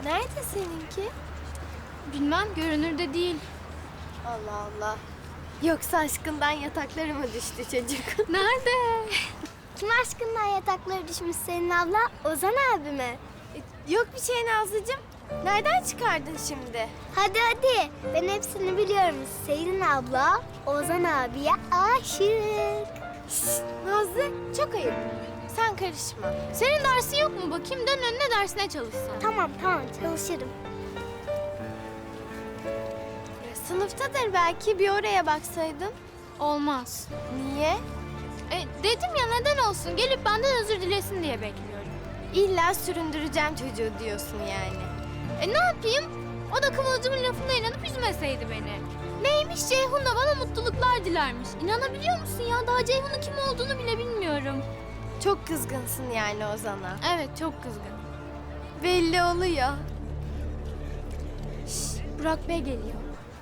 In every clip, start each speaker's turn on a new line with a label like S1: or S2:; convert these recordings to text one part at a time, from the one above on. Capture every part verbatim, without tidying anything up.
S1: Nerede seninki?
S2: Bilmem, görünürde değil.
S1: Allah Allah. Yoksa aşkından yatakları mı düştü çocuk?
S2: Nerede?
S3: Kim aşkından yatakları düşmüş senin abla? Ozan abi mi?
S1: Yok bir şey Nazlıcığım. Nereden çıkardın şimdi?
S3: Hadi hadi. Ben hepsini biliyorum. Selin abla Ozan abiye aşık.
S1: Şşş, Nazlı çok ayıp. Sen karışma.
S2: Senin dersin yok mu bakayım? Dön önüne dersine çalışsan.
S3: Tamam tamam çalışırım.
S1: Ya, sınıftadır belki bir oraya baksaydın.
S2: Olmaz.
S1: Niye?
S2: E, dedim ya neden olsun? Gelip benden özür dilesin diye bekliyorum.
S1: İlla süründüreceğim çocuğu diyorsun yani.
S2: E ne yapayım? O da Kıvılcım'ın lafına inanıp üzmeseydi beni. Neymiş Ceyhun da bana mutluluklar dilermiş. İnanabiliyor musun ya? Daha Ceyhun'un kim olduğunu bile bilmiyorum.
S1: Çok kızgınsın yani Ozan'a.
S2: Evet, çok kızgın.
S1: Belli oluyor.
S2: Şşş, Burak Bey geliyor.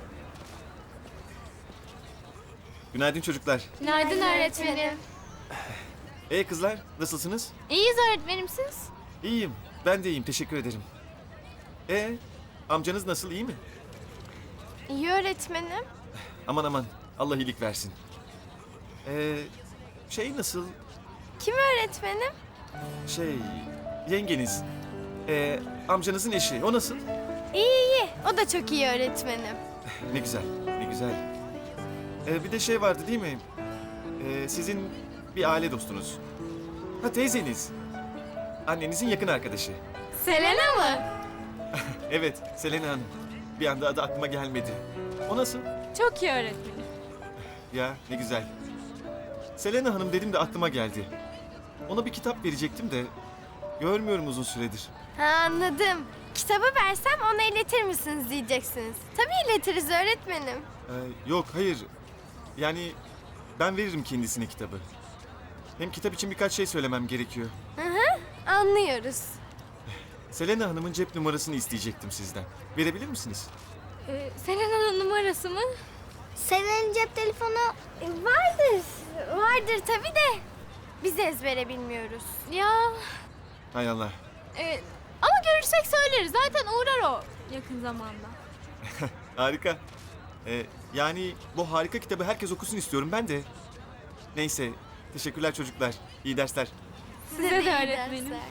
S4: Günaydın çocuklar.
S2: Günaydın öğretmenim.
S4: Ee kızlar, nasılsınız?
S2: İyiyiz öğretmenim, siz?
S4: İyiyim. Ben de iyiyim. Teşekkür ederim. Ee, amcanız nasıl? İyi mi?
S1: İyi öğretmenim.
S4: Aman aman. Allah iyilik versin. Ee, şey nasıl?
S1: Kim öğretmenim?
S4: Şey, yengeniz. Ee, amcanızın eşi. O nasıl?
S1: İyi iyi. O da çok iyi öğretmenim.
S4: Ne güzel, ne güzel. Ee, bir de şey vardı değil mi? Ee, sizin bir aile dostunuz. Ha teyzeniz. Annenizin yakın arkadaşı.
S2: Selena mı?
S4: Evet, Selena Hanım. Bir anda adı aklıma gelmedi. O nasıl?
S2: Çok iyi öğretmenim.
S4: Ya ne güzel. Selena Hanım dedim de aklıma geldi. Ona bir kitap verecektim de görmüyorum uzun süredir.
S1: Ha anladım. Kitabı versem ona iletir misiniz diyeceksiniz. Tabii iletiriz öğretmenim.
S4: Ee, yok hayır. Yani ben veririm kendisine kitabı. Hem kitap için birkaç şey söylemem gerekiyor.
S1: Hı hı, anlıyoruz.
S4: Selena Hanım'ın cep numarasını isteyecektim sizden. Verebilir misiniz?
S2: Ee, Selena'nın numarası mı?
S3: Selen'in cep telefonu
S1: E, vardır. Vardır tabii de. Biz ezbere bilmiyoruz.
S2: Ya,
S4: Hay Allah.
S2: e, ama görürsek söyleriz. Zaten uğrar o yakın zamanda.
S4: Harika. Ee, yani bu harika kitabı herkes okusun istiyorum ben de. Neyse. Teşekkürler çocuklar. İyi dersler.
S2: Size de
S1: iyi
S2: öğretmenim.
S1: dersler.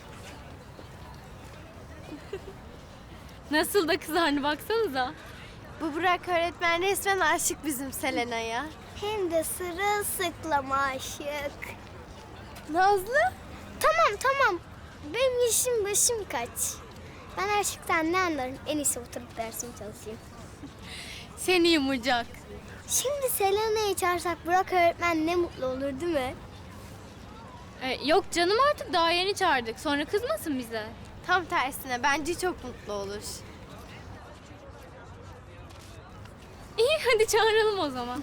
S2: Nasıl da kızardı baksanıza.
S1: Bu Burak öğretmen resmen aşık bizim Selena'ya.
S3: hem de sırılsıklam aşık.
S1: Nazlı?
S3: Tamam tamam. Benim yaşım başım kaç. Ben aşıktan ne anlarım? En iyisi oturup dersimi çalışayım.
S2: Seni yumacak.
S3: Şimdi Selena'yı çağırsak Burak öğretmen ne mutlu olur değil mi?
S2: E, yok canım artık daha yeni çağırdık. Sonra kızmasın bize.
S1: Tam tersine bence çok mutlu olur.
S2: İyi hadi çağıralım o zaman.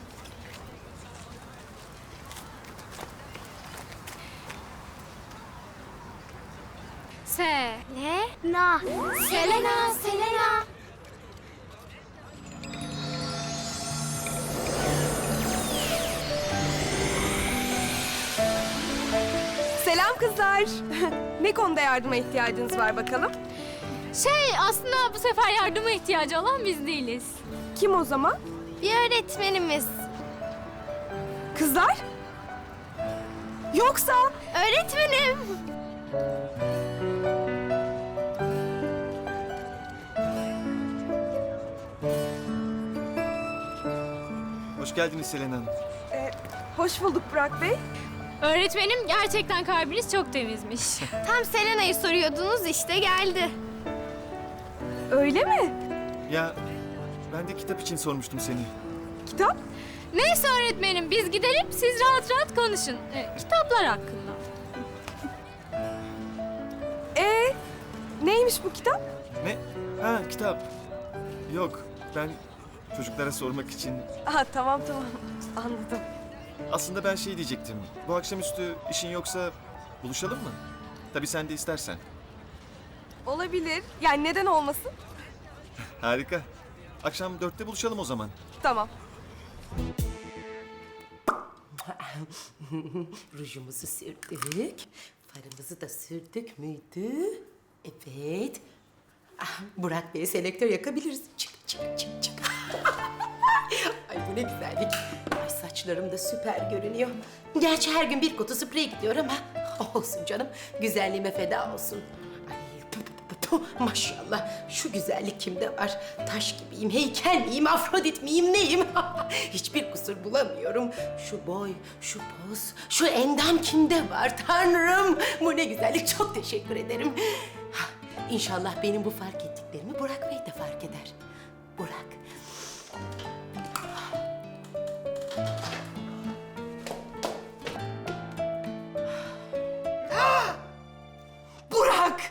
S2: Se.
S1: Ne?
S3: Na.
S1: Selena, Selena.
S5: Selam kızlar. Ne konuda yardıma ihtiyacınız var bakalım?
S2: Şey aslında bu sefer yardıma ihtiyacı olan biz değiliz.
S5: Kim o zaman?
S1: Bir öğretmenimiz.
S5: Kızlar? Yoksa
S1: Öğretmenim.
S4: Hoş geldiniz Selena Hanım.
S5: e, hoş bulduk Burak Bey.
S2: Öğretmenim gerçekten kalbiniz çok temizmiş.
S1: Tam Selena'yı soruyordunuz işte geldi.
S5: Öyle mi?
S4: Ya ben de kitap için sormuştum seni.
S5: Kitap?
S2: Neyse öğretmenim biz gidelim siz rahat rahat konuşun. E, kitaplar hakkında.
S5: Ee, neymiş bu kitap?
S4: Ne? Ha kitap. Yok ben çocuklara sormak için.
S5: Aha tamam tamam anladım.
S4: Aslında ben şey diyecektim. Bu akşamüstü işin yoksa buluşalım mı? Tabii sen de istersen.
S5: Olabilir. Yani neden olmasın?
S4: Harika. Akşam dörtte buluşalım o zaman.
S5: Tamam.
S6: Rujumuzu sürdük. Farımızı da sürdük müydü? Evet. Ah, Burak Bey'e selektör yakabiliriz. Çık çık çık çık. Ay bu ne güzellik. Ay saçlarım da süper görünüyor. Gerçi her gün bir kutu sprey gidiyor ama olsun canım. Güzelliğime feda olsun. Ay pu, pu, pu, pu. Maşallah şu güzellik kimde var? Taş gibiyim, heykel miyim, Afrodit miyim, neyim? Hiçbir kusur bulamıyorum. Şu boy, şu poz, şu endam kimde var Tanrım? Bu ne güzellik, çok teşekkür ederim. İnşallah benim bu fark ettiklerimi Burak Bey de fark eder. Burak. Burak!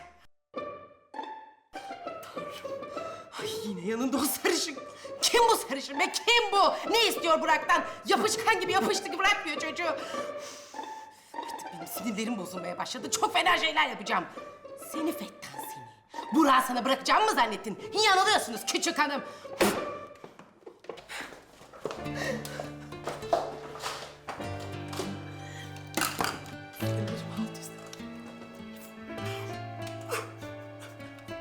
S6: Tanrım. Ay yine yanında o sarışın. Kim bu sarışın be? Kim bu? Ne istiyor Burak'tan? Yapışkan gibi yapıştı ki bırakmıyor çocuğu. Artık benim sinirlerim bozulmaya başladı. Çok fena şeyler yapacağım. Seni Fettan seni. Burak'ı sana bırakacağım mı zannettin? Yanılıyorsunuz küçük hanım. Sinirlerim